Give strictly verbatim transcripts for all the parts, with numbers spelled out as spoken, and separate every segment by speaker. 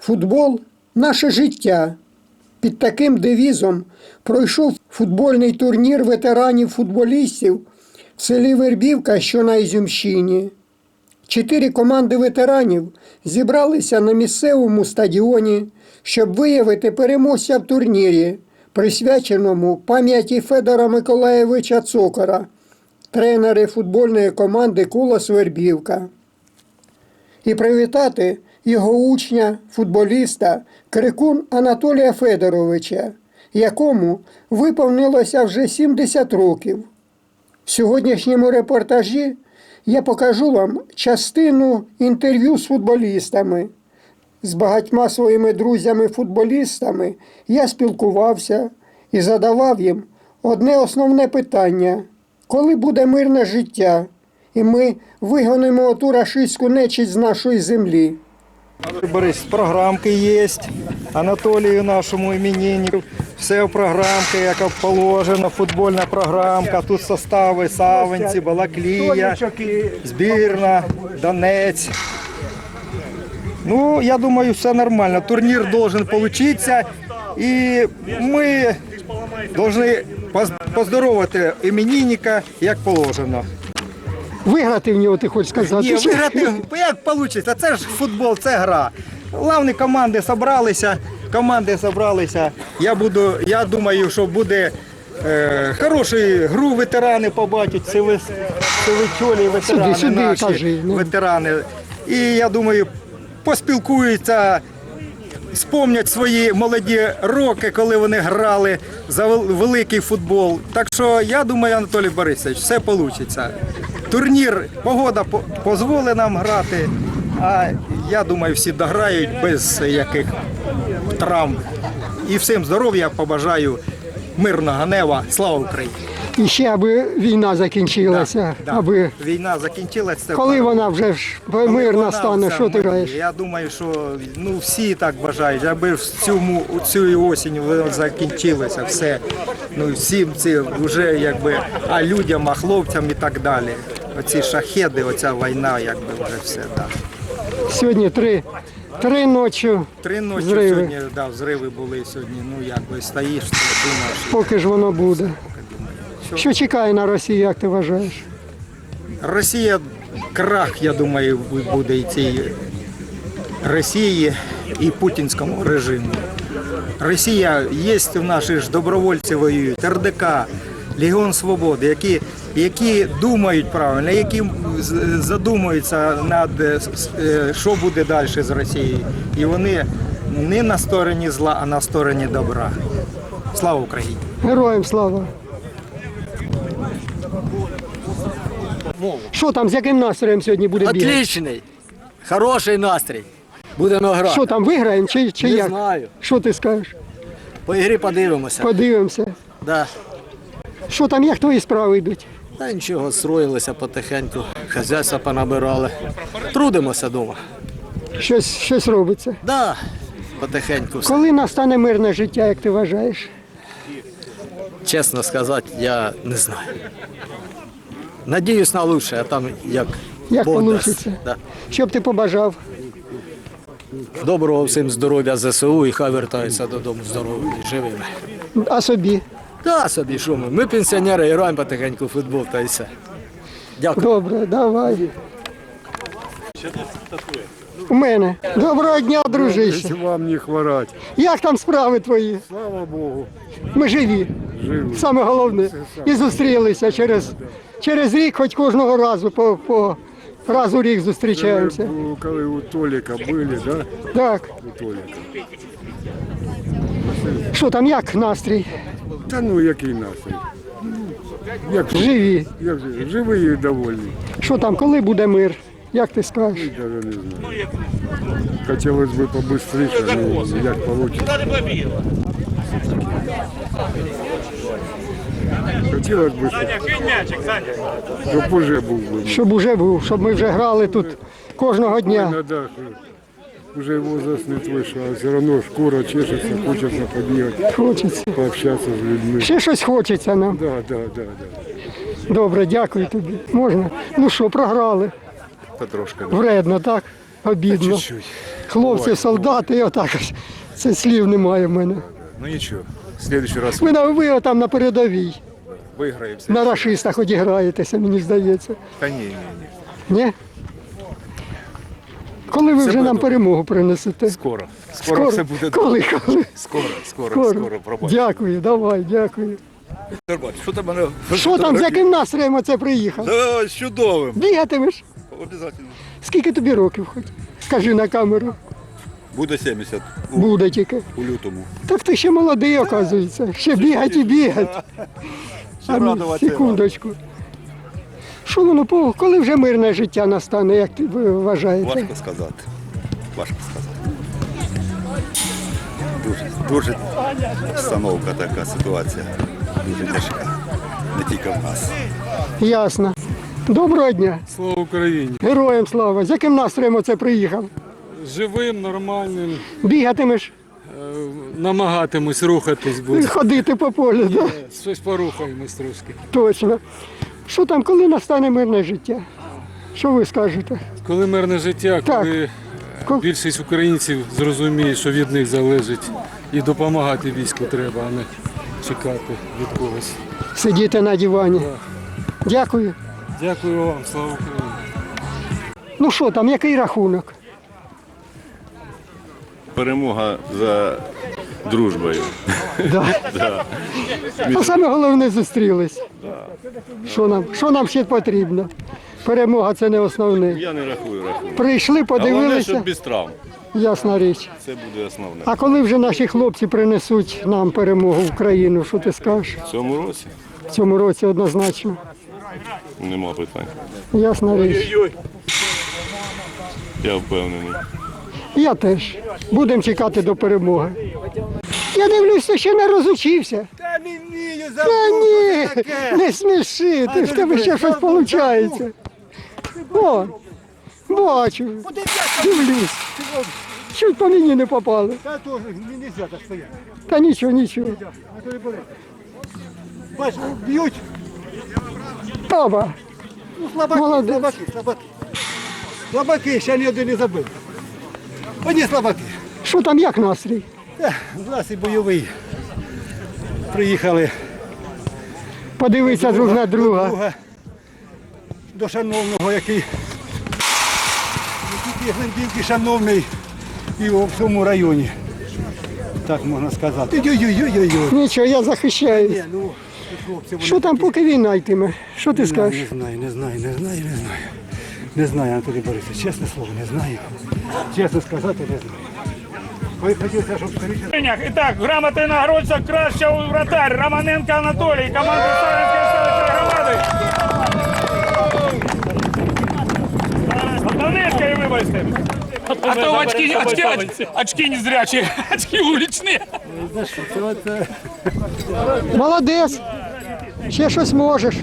Speaker 1: Футбол – наше життя. Під таким девізом пройшов футбольний турнір ветеранів-футболістів в селі Вербівка, що на Ізюмщині. Чотири команди ветеранів зібралися на місцевому стадіоні, щоб виявити переможця в турнірі, присвяченому пам'яті Федора Миколайовича Цокора, тренера футбольної команди «Колос Вербівка». І привітати його учня, футболіста Крикун Анатолія Федоровича, якому виповнилося вже сімдесят років. В сьогоднішньому репортажі я покажу вам частину інтерв'ю з футболістами. З багатьма своїми друзями-футболістами я спілкувався і задавав їм одне основне питання – коли буде мирне життя, і ми вигонимо оту рашистську нечисть з нашої землі.
Speaker 2: Борис, програмки є, Анатолію нашому імениннику. Все в програмці, як положено, футбольна програмка. Тут состави Савинці, Балаклія, збірна, Донець. Ну, я думаю, все нормально. Турнір должен получиться. І ми повинні поздоровити іменинника, як положено.
Speaker 1: Виграти в нього, ти хочеш сказати?
Speaker 2: Ні, виграти, як вийде, це ж футбол, це гра. Головні команди зібралися, команди зібралися. Я буду, я думаю, що буде е, хорошу гру, ветерани побачать, сивичолі, ветерани
Speaker 1: Сюди, сюди,
Speaker 2: наші,
Speaker 1: кажи, ну.
Speaker 2: ветерани. І я думаю, поспілкуються, спомнять свої молоді роки, коли вони грали за великий футбол. Так що я думаю, Анатолій Борисович, все вийде. Турнір, погода дозволить нам грати, а я думаю, всі дограють без яких травм. І всім здоров'я побажаю, мирного неба, слава Україні!
Speaker 1: І ще, аби війна закінчилася,
Speaker 2: Да, да.
Speaker 1: аби...
Speaker 2: Війна закінчилася.
Speaker 1: Коли вона вже ж мирна стане, що ти граєш?
Speaker 2: Я думаю, що ну, всі так бажають, аби в цьому, цю осінь воно закінчилося все. Ну, всім це вже якби, а людям, а хлопцям і так далі. Оці шахеди, оця війна, якби вже все. Так.
Speaker 1: Сьогодні три, три ночі
Speaker 2: Три ночі
Speaker 1: зриви.
Speaker 2: сьогодні, да, зриви були сьогодні, ну якби стоїш, думаєш.
Speaker 1: Поки ж воно буде.
Speaker 2: Що?
Speaker 1: Що чекає на Росію, як ти вважаєш?
Speaker 2: Росія, крах, я думаю, буде і цій Росії, і путінському режиму. Росія, є в наші ж добровольці воюють, ер де ка, Легіон Свободи, які, які думають правильно, які задумуються над, що буде далі з Росією. І вони не на стороні зла, а на стороні добра. Слава Україні!
Speaker 1: Героям слава! Що там, з яким настроєм сьогодні буде бігати?
Speaker 3: Отличний, хороший настрій. Будемо грати.
Speaker 1: Що там, виграємо чи, чи
Speaker 3: Не
Speaker 1: як?
Speaker 3: знаю.
Speaker 1: Що ти скажеш?
Speaker 3: По ігрі подивимося.
Speaker 1: Подивимося.
Speaker 3: Да.
Speaker 1: Що там, як твої справи йдуть?
Speaker 3: Та нічого, строїлися потихеньку, хазяйства понабирали. Трудимося вдома.
Speaker 1: Щось, щось робиться.
Speaker 3: Да, потихеньку все.
Speaker 1: Коли настане мирне життя, як ти вважаєш?
Speaker 3: Чесно сказати, я не знаю. Надіюсь на лучше, а там як
Speaker 1: Як
Speaker 3: Бог
Speaker 1: вийде?
Speaker 3: дасть. Да.
Speaker 1: Що б ти побажав?
Speaker 3: Доброго всім здоров'я зе се у і хай вертаються додому здоровими і живими.
Speaker 1: А собі?
Speaker 3: Да, собі, що ми? Ми пенсіонери, граємо потихеньку в футбол та й все. Дякую.
Speaker 1: Добре, давай. У мене. Доброго дня, дружище.
Speaker 4: Вам не хворать.
Speaker 1: Як там справи твої?
Speaker 4: Слава Богу.
Speaker 1: Ми живі.
Speaker 4: Живі.
Speaker 1: Саме головне. І зустрілися через, через рік, хоч кожного разу, по, по раз у рік зустрічаємося.
Speaker 4: Ви, коли у Толіка були, да?
Speaker 1: Так.
Speaker 4: У Толіка.
Speaker 1: Що там, як настрій?
Speaker 4: Та ну який настрій? Як,
Speaker 1: Живі.
Speaker 4: як же, живі і довольні.
Speaker 1: Що там, коли буде мир? Як ти скажеш?
Speaker 4: Даже не знаю. Хотілося б побыстріше, ну як вийде. Хотілося б, щоб, щоб уже був би.
Speaker 1: Щоб уже був, щоб ми вже грали тут кожного дня.
Speaker 4: Надо, уже возраст не твой, що а все одно шкура чешеться, хочеться побігати,
Speaker 1: Хочеться.
Speaker 4: пообщатися з людьми.
Speaker 1: Ще щось хочеться нам.
Speaker 4: Да, да, да, да.
Speaker 1: Добре, дякую тобі. Можна? Ну що, програли?
Speaker 4: Потрошки.
Speaker 1: Вредно, так? Обідно.
Speaker 4: Чуть-чуть.
Speaker 1: хлопці, солдати, і отак ось. Це слів немає в мене.
Speaker 5: Ну ничего, в следующий раз
Speaker 1: Ви, на- ви там на передовій,
Speaker 5: выиграем.
Speaker 1: на рашистах одіграєтеся, мені здається.
Speaker 5: Да не, не, не.
Speaker 1: Ні? Коли ви
Speaker 5: Все
Speaker 1: вже
Speaker 5: буде
Speaker 1: нам
Speaker 5: добре.
Speaker 1: перемогу принесете?
Speaker 5: Скоро. Скоро, все буде добре.
Speaker 1: Коли, коли?
Speaker 5: Скоро, скоро,
Speaker 1: Скоро.
Speaker 5: скоро, пробач.
Speaker 1: Дякую, давай, дякую.
Speaker 5: Що там мене?
Speaker 1: Що там, з яким настроєм оце приїхав?
Speaker 5: Да, з чудовим.
Speaker 1: Бігатимеш?
Speaker 5: Обязательно.
Speaker 1: Скільки тобі років хоч? Скажи на камеру.
Speaker 5: Буде сімдесят у,
Speaker 1: Буде тільки.
Speaker 5: у лютому.
Speaker 1: Так ти ще молодий, оказується. Ще бігать і бігать.
Speaker 5: Ще
Speaker 1: А ну,
Speaker 5: радуватися.
Speaker 1: секундочку. Що воно, по- коли вже мирне життя настане, як ти ви вважаєте?
Speaker 5: Важко сказати. Важко сказати. Дуже, дуже обстановка така, ситуація. Дуже тяжка. Не тільки в нас.
Speaker 1: Ясно. Доброго дня.
Speaker 6: Слава Україні!
Speaker 1: Героям слава. З яким настроєм оце приїхав?
Speaker 6: Живим, нормальним,
Speaker 1: Бігатимеш,
Speaker 6: е, намагатимусь рухатись, бо
Speaker 1: ходити по полю, да?
Speaker 6: щось порухаємось трошки.
Speaker 1: Точно. Що там, коли настане мирне життя? Що ви скажете?
Speaker 6: Коли мирне життя,
Speaker 1: Так.
Speaker 6: коли
Speaker 1: Ко-
Speaker 6: більшість українців зрозуміє, що від них залежить, і допомагати війську треба, а не чекати від когось.
Speaker 1: Сидіти на дивані. Дякую.
Speaker 6: Дякую вам, слава Україні!
Speaker 1: Ну що там, який рахунок?
Speaker 7: Перемога за дружбою.
Speaker 1: Да. А саме головне зустрілись. Що нам, що нам ще потрібно? Перемога це не основне.
Speaker 7: Я не рахую, рахую.
Speaker 1: Прийшли,
Speaker 7: Головне,
Speaker 1: подивилися,
Speaker 7: щоб без травм.
Speaker 1: ясна річ.
Speaker 7: Це буде основне.
Speaker 1: А коли вже наші хлопці принесуть нам перемогу в Україну, що ти скажеш?
Speaker 7: В цьому році
Speaker 1: В цьому році однозначно.
Speaker 7: нема питань.
Speaker 1: Ясна річ.
Speaker 7: Я впевнений.
Speaker 1: Я теж. Будемо чекати до перемоги. Я дивлюсь, ти ще не розучився.
Speaker 2: Та не вмію
Speaker 1: Та ні, не сміши, ти в тебе ще щось виходить. О, бачу, дивлюсь. Чуть по мені не попали.
Speaker 2: Та теж не можна так стояти.
Speaker 1: Та нічого, нічого.
Speaker 2: Бач, б'ють.
Speaker 1: Оба.
Speaker 2: Ну, слабаки,
Speaker 1: Молодець.
Speaker 2: слабаки, слабаки. Слабаки, ще ні один не забив. Одні слабаки.
Speaker 1: Що там, як настрій?
Speaker 2: У нас і бойовий. Приїхали
Speaker 1: Подивися друг на друга.
Speaker 2: друга до шановного, який який Глендівки шановний і у всьому районі. Так можна сказати. Ой-ой-ой-ой-ой.
Speaker 1: Нічого, я захищаюсь.
Speaker 2: Ні, ну, хлопці, вони
Speaker 1: Що там, поки війна йтиме? Що ти
Speaker 2: Не
Speaker 1: скажеш?
Speaker 2: знаю, не знаю, не знаю, не знаю. Не знаю, Анатолій Борисович, чесне слово, не знаю. Чесно сказати, не знаю. Ви хотілося, щоб скоріше.
Speaker 8: І так, грамотний нагородця кращого вратарь Романенко Анатолій, команда Савинської селищної громади. Донецької, вибачте. А то очки, очки, очки, очки незрячі, очки вуличні.
Speaker 1: Молодець. Ще щось можеш.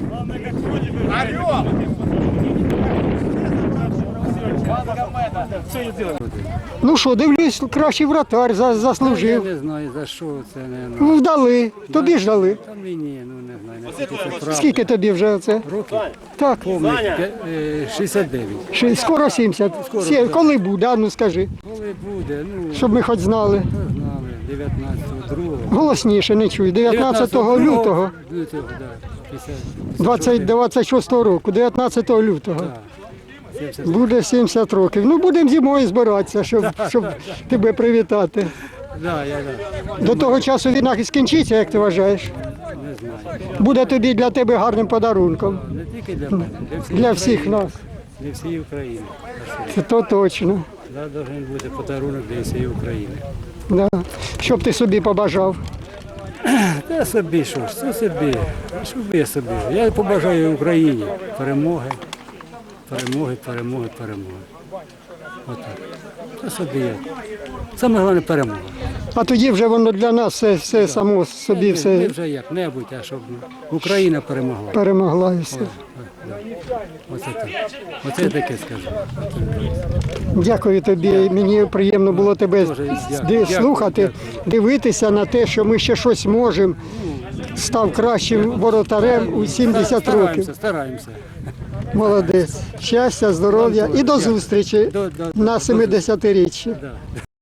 Speaker 1: Ну що, дивлюсь, кращий вратар за- заслужив.
Speaker 9: Не знаю за що це не ну,
Speaker 1: Ну, вдали. Тобі ж дали.
Speaker 9: та мені, ну не знаю, наскільки це правда.
Speaker 1: Скільки тобі вже це?
Speaker 9: Років?
Speaker 1: Так,
Speaker 9: Повних п'я- е, шістдесят дев'ять.
Speaker 1: ще скоро сімдесят. Сі- Коли буде, а ну скажи,
Speaker 9: Коли буде, ну,
Speaker 1: щоб ми хоч знали.
Speaker 9: хто знали, дев'ятнадцятого другого.
Speaker 1: Голосніше не чую. дев'ятнадцятого лютого
Speaker 9: Лютого, да. п'ятдесят,
Speaker 1: двадцять двадцять шостого року, дев'ятнадцятого лютого.
Speaker 9: сімдесят.
Speaker 1: Буде сімдесят років. Ну, будемо зимою збиратися, щоб, щоб тебе привітати.
Speaker 9: Да, я да,
Speaker 1: До того часу війна скінчиться, як ти вважаєш?
Speaker 9: не знаю.
Speaker 1: Буде тобі для тебе гарним подарунком.
Speaker 9: Не тільки для мене, для всіх,
Speaker 1: Для всіх
Speaker 9: України.
Speaker 1: нас.
Speaker 9: Для всієї України.
Speaker 1: Це то точно.
Speaker 9: Да, должен бути подарунок для всієї України.
Speaker 1: Да. Що б ти собі побажав?
Speaker 9: Та собі що ж, це собі. Що б я собі? Я побажаю Україні перемоги, перемоги, перемоги, перемоги. Отак. Це собі я. Саме головне перемога.
Speaker 1: А тоді вже воно для нас все, все само собі
Speaker 9: Не
Speaker 1: все
Speaker 9: вже як-небудь, а щоб Україна перемогла.
Speaker 1: перемогла і все.
Speaker 9: Оце так. Оце я таке скажу.
Speaker 1: Дякую тобі. Мені приємно було тебе
Speaker 9: Дуже дякую.
Speaker 1: ди-
Speaker 9: Дякую,
Speaker 1: слухати,
Speaker 9: дякую.
Speaker 1: дивитися на те, що ми ще щось можемо. Став кращим воротарем у сімдесят років.
Speaker 9: Стараємося, стараємося.
Speaker 1: Молодець. Щастя, здоров'я і до зустрічі
Speaker 9: До- до-
Speaker 1: на семидесятиріччі.
Speaker 9: Да.